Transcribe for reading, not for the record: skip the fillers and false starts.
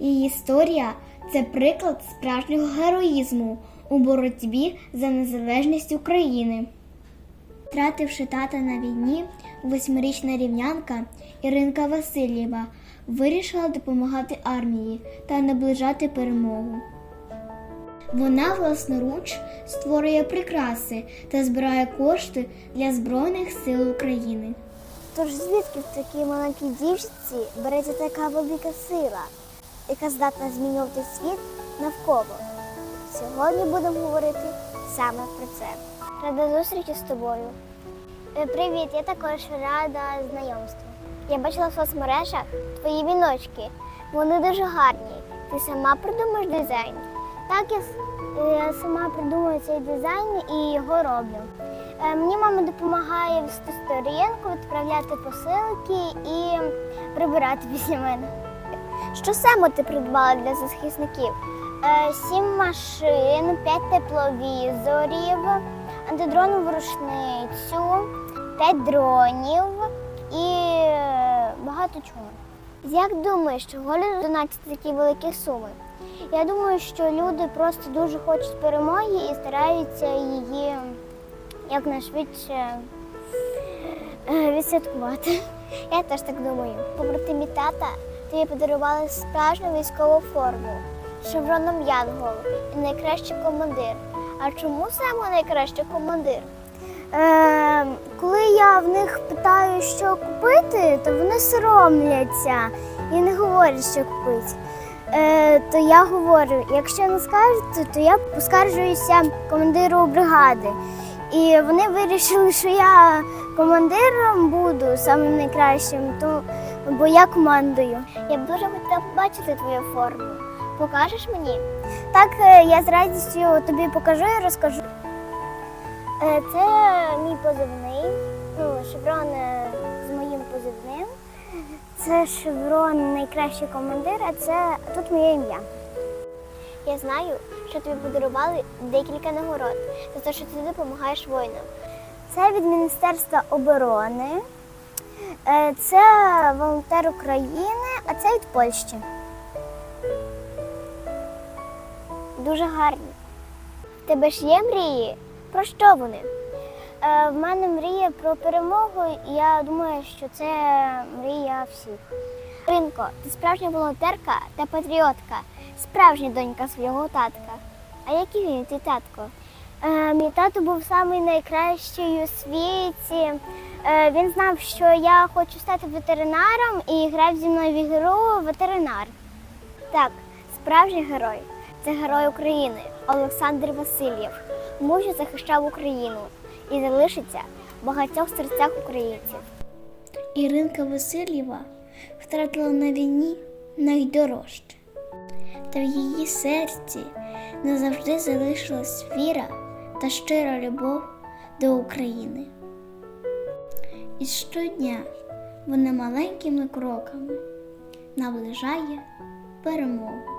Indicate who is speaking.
Speaker 1: Її історія – це приклад справжнього героїзму у боротьбі за незалежність України. Втративши тата на війні, 8-річна рівнянка Іринка Васильєва вирішила допомагати армії та наближати перемогу. Вона власноруч створює прикраси та збирає кошти для Збройних сил України.
Speaker 2: Тож звідки в такій маленькій дівчинці береться така велика сила, яка здатна змінювати світ навколо? Сьогодні будемо говорити саме про це. Рада зустрічі з тобою. Привіт, я також рада знайомству. Я бачила в соцмережах твої віночки. Вони дуже гарні. Ти сама придумаєш дизайн? Так, я сама придумую цей дизайн і його роблю. Мені мама допомагає вести сторінку, відправляти посилки і прибирати після мене. Що саме ти придбала для захисників? 7 машин, 5 тепловізорів, антидронову рушницю, 5 дронів і багато чого. Як думаєш, чого люди донатять такі великі суми? Я думаю, що люди просто дуже хочуть перемоги і стараються її якнайшвидше відсвяткувати. Я теж так думаю. Побратимі тата тобі подарували справжню військову форму з шевроном Янгол і найкращий командир. А чому саме найкращий командир? Коли я в них питаю, що купити, то вони соромляться і не говорять, що купити. То я говорю, якщо не скажете, то я поскаржуюся командиру бригади. І вони вирішили, що я командиром буду самим найкращим, бо я командую. Я б дуже хотіла побачити твою форму. Покажеш мені? Так, я з радістю тобі покажу і розкажу. Це мій позивний, шеврон з моїм позивним. Це шеврон найкращий командир, а це тут моє ім'я. Я знаю, що тобі подарували декілька нагород за те, що ти допомагаєш воїнам. Це від Міністерства оборони, це волонтер України, а це від Польщі. Дуже гарні. В тебе ж є мрії? Про що вони? В мене мрія про перемогу, і я думаю, що це мрія всіх. Іринко, ти справжня волонтерка та патріотка, справжня донька свого татка. А який він, твій татко? Мій тато був найкращий у світі. Він знав, що я хочу стати ветеринаром і грав зі мною в ігру «Ветеринар». Так, справжній герой – це герой України Олександр Васильєв. Мужньо захищав Україну і залишиться в багатьох серцях українців.
Speaker 1: Іринка Васильєва втратила на війні найдорожче. Та в її серці назавжди залишилась віра та щира любов до України. І щодня вона маленькими кроками наближає перемогу.